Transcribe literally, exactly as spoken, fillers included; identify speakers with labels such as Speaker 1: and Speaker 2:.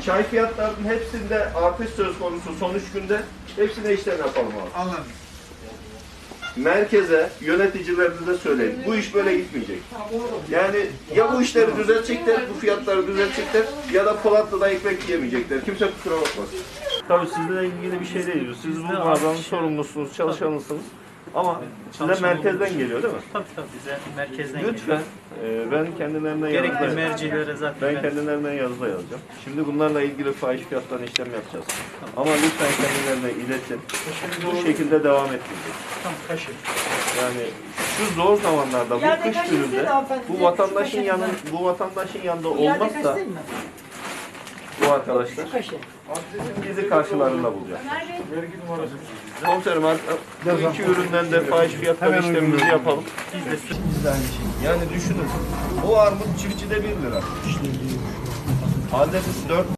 Speaker 1: çay fiyatlarının hepsinde artış söz konusu son üç günde. Hepsine işlem yapalım abi.
Speaker 2: Anladım.
Speaker 1: Merkeze, yöneticilerinize söyleyin. Bu iş böyle gitmeyecek. Yani ya bu işleri düzeltecekler, bu fiyatları düzeltecekler ya da Polatlı'da ekmek yiyemeyecekler. Kimse kusura bakmasın. Tabii sizle ilgili bir şey değil. Siz bu mağazanın sorumlusunuz, çalışanısınız. Ama size merkezden geliyor değil mi?
Speaker 3: Tabii tabii bize merkezden
Speaker 1: Lütfen e, ben kendilerinden
Speaker 3: Gerekli
Speaker 1: yazıda
Speaker 3: mercilere zaten
Speaker 1: ben
Speaker 3: ben-
Speaker 1: kendilerinden yazıda yazacağım. Şimdi bunlarla ilgili fahiş fiyattan işlem yapacağız. Ama lütfen kendilerine iletin. Bu şekilde devam etmeyecek.
Speaker 3: Tam kaşı.
Speaker 1: Yani şu zor zamanlarda, bu
Speaker 4: İade
Speaker 1: kış
Speaker 4: kaç
Speaker 1: gününde
Speaker 4: liraydı hanımefendi?
Speaker 1: bu
Speaker 4: Şu
Speaker 1: vatandaşın
Speaker 4: kaşe
Speaker 1: yanı,
Speaker 4: kadar.
Speaker 1: bu vatandaşın yanında
Speaker 4: İade
Speaker 1: olmazsa
Speaker 4: kaç değil mi?
Speaker 1: bu arkadaşlar
Speaker 4: Şu kaşı.
Speaker 1: bizi karşılarında bulacak. Komiserim artık bu iki üründen de fahiş fiyattan işlemimizi yapalım.
Speaker 3: Biz de
Speaker 1: Biz de aynı şey. Yani düşünün. Bu armut çiftçide bir lira. Adeti dört